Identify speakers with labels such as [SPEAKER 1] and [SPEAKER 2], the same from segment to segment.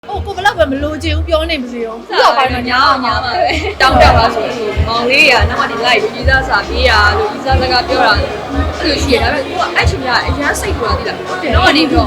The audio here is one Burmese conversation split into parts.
[SPEAKER 1] ကိုဘလောက်ပဲမလိုချင်ဘူးပြောနေမစေရောခုတော့ပိုင်းမှာညာ
[SPEAKER 2] ညာပါပဲတောင်းတပါဆိုလို့မောင်လေးကနောက်မှဒီလိုက်ကြီးစားစာပြေးရလို့ကြီးစားစကားပြောတာအဲ့လိုရှိရဒါပေမဲ့ကိုကအဲ့ချိန်ကအရန်စိတ်ပေါ်တာသိလားတော့ကနေပြီးတော့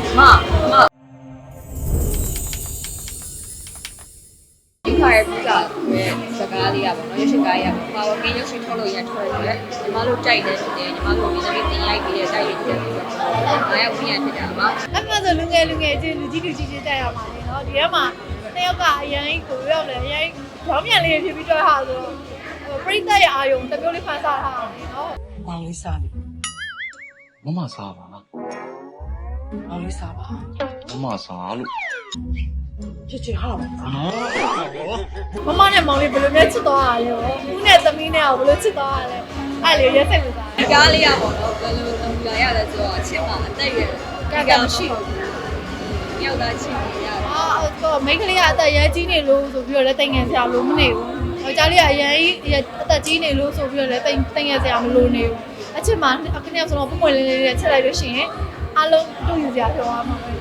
[SPEAKER 2] ဒီခါရဲ့ပြတာပဲစကားလေးရပါတော့ရုပ်ရှင်ကားရပါဘာလို့ကင်းရုပ်ရှင်ထုတ်လို့ရထွက်တယ်ညီမတို့တိုက်တယ်ညီမတို့ဒီနေ့တင်ရိုက်ပြီးတဲ့တိုက်ရိုက်တယ်ဆိုတော့အားရောက်ပြန်ဖြစ်တာပါ
[SPEAKER 1] အဲ့မှာဆိုလူငယ်ချင်းလူကြီးတိုက်ရမှာလေနော်ဒီထဲမှာတစ်ယောက်ကအရင်ကိုရောက်တယ်အရင်ရောင်းမြန်လေးဖြစ်ပြီးတော့ဟာဆိုပရိသတ်ရဲ့အာယုံတစ်မျိုးလေးဖန်ဆထားတာလေနော်
[SPEAKER 3] မောင်လေးစားပြီ
[SPEAKER 4] မမစားပါ
[SPEAKER 3] မောင်လေးစားပါ
[SPEAKER 4] မမစားလို့
[SPEAKER 3] ချစ်ဟာ
[SPEAKER 1] မမနဲ့မောင်လေးဘယ်လိုမျိုးချစ်သွားတာလဲဦးနဲ့သမီးနဲ့ဘယ်လိုချစ်သွားတာလဲအဲ့လေရက်စိတ်ဝင်စား
[SPEAKER 2] ကားလေးရပါတော့ဘယ်လိုလုပ်လာရလဲဆိုတော့ချစ်မှာအသက်ရွယ်
[SPEAKER 1] ကမရှိဘူး
[SPEAKER 2] ယောက်သားချစ်နေရ
[SPEAKER 1] တော့မိန်းကလေးကအသက်ရဲကြီးနေလို့ဆိုပြီးတော့လည်းတိုင်ငယ်စရာမလိုမနေဘူးယောက်ျားလေးကအရင်အသက်ကြီးနေလို့ဆိုပြီးတော့လည်းတိုင်ငယ်စရာမလိုနေဘူးအချစ်မှာအခနဲ့ဆိုတော့ပုံမွေလေးလေးနဲ့ချက်လိုက်လို့ရှိရင်အားလုံးတို့ယူစရာပြောရမှာပဲ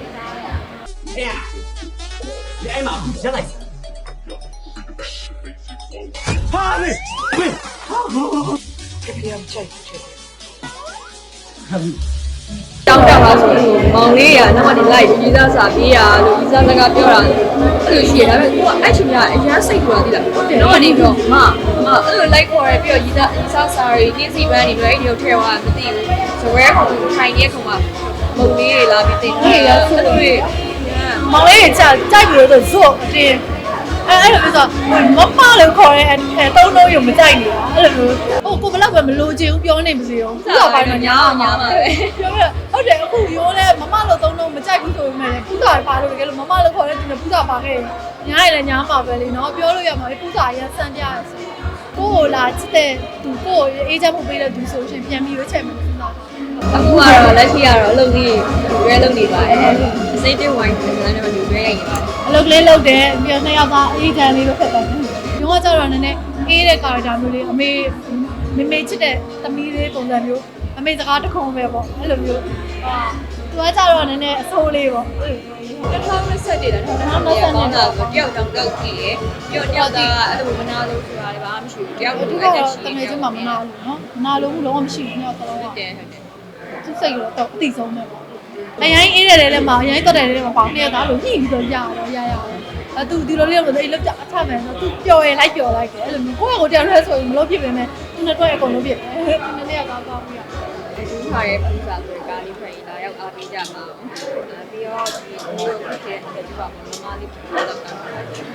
[SPEAKER 3] 你挨骂别来ဟာလေဝေးပြန်ချက်
[SPEAKER 2] တောင်းတပါဆိုလို့မောင်လေးကနောက်မှဒီလိုက်ကြီးစားစာပြေးရလို့ကြီးစားစကားပြောတာအဲ့လိုရှိရဒါပေမဲ့ကိုကအဲ့ချိန်ကအရန်စိတ်ပေါ်တာသိလားတော့ကနေပြီးတော့အဲ့လိုလိုက်ခေါ်ရပြီးတော့ကြီးစားစာရီတင်းစီပန်းနေပြီးတော့ဒီလိုထဲသွားမသိဘူးဆိုရဲကောင်ထိုင်နေကောင်ကမုံလေးတွေလာပြီးတင်တယ်အဲ့လိုတွေ
[SPEAKER 1] မောင်လေးကြိုက်ပြီးတော့ဇော့အတင်းအဲ့လိုမျိုးဆိုမမလို့ခေါ်ရဲတုံးလုံးရုံမကြိုက်နေတာအဲ့လိုမျိုးကိုဘလောက်ပဲမလိုချင်ဘူးပြောနေမစေရောခုတော့ပိုင်းမှာညာ
[SPEAKER 2] ပါပဲ
[SPEAKER 1] ပြောရဟုတ်တယ်အခုရိုးလဲမမလို့တုံးလုံးမကြိုက်ဘူးဆိုပေမဲ့ပူဇာပါလို့တကယ်လို့မမလို့ခေါ်တဲ့သူနဲ့ပူဇာပါခဲ့ညာရည်လည်းညာမှာပဲလေနော်ပြောလို့ရမှာပူဇာရန်စံပြရဆိုကိုလာချစ်တဲ့သူကိုအေးချမ်းမှုပေးတဲ့သူဆိုရှင်ပြန်ပြီးရွေးချယ်မယ်ပူဇာ
[SPEAKER 2] အခုကတော့လက်ရှိကတော့အလုပ်ကြီးရွေးလုပ်နေပါတယ်အစိမ့်တွေဝိုင်းတယ်ဆိုတော့ရွေးရိုက်နေပါတယ်
[SPEAKER 1] အလုပ်လေးလုပ်တယ်ပြီးတော့နှစ်ယောက်သားအေးချမ်းလေးလို့ဖြစ်သွားတယ်ရုံးကကြတော့နည်းနည်းအေးတဲ့ကာရက်တာမျိုးလေးအမေချစ်တဲ့သမီးလေးပုံစံမျိုးအမေစကားတခုံးပဲပေါ့အဲ့လိုမျိုးသူကကြတော့နည်းနည်းအဆိုးလေးပေါ့
[SPEAKER 2] 2020တည်းလား2020ပေါင်းတာဆိုတယောက်တောင်တောက်ကြည့်ရပြီးတော့တယောက်သားအဲ့လိုမနာလို့ဆိုတာလည်းဘာမှမရှိဘူးတယောက်ကိုအဲ့ဒါရှိ
[SPEAKER 1] တယ်တကယ်ချင်းမှမနာလို့နော်မနာလို့လုံးဝမရှိဘူးနှစ်ယောက်သလုံးက
[SPEAKER 2] ဟုတ်တယ်
[SPEAKER 1] သူစိတ်တော့အတိဆုံးပဲပေါ့အရင်အေးတယ်လည်းမအရင်တော့တယ်လည်းမပေါ့နှစ်ယောက်သားလို့ညှိပြီးတော့ရသူဒီလိုလေးတော့အဲ့လောက်ကြအထမယ်ဆိုသူပျော်ရင်လိုက်ပျော်လိုက်တယ်အဲ့လိုမျိုးကိုယ့်ကိုယ်တယောက်တည်းဆိုရင်မလို့ဖြစ်ပေမဲ့သူနဲ့တော့အကုန်လုံးဖြစ်တယ်နှစ်ယောက်သားပြီးတော့
[SPEAKER 2] ဒီခါရဲ့ပူဇာဆိုကားလေးဖွဲ့လာရောက်အားပေးကြပါဦးပြီးတော့ဒီလိုဖြစ်တဲ့ဒီပါမမလေးပူဇာတော့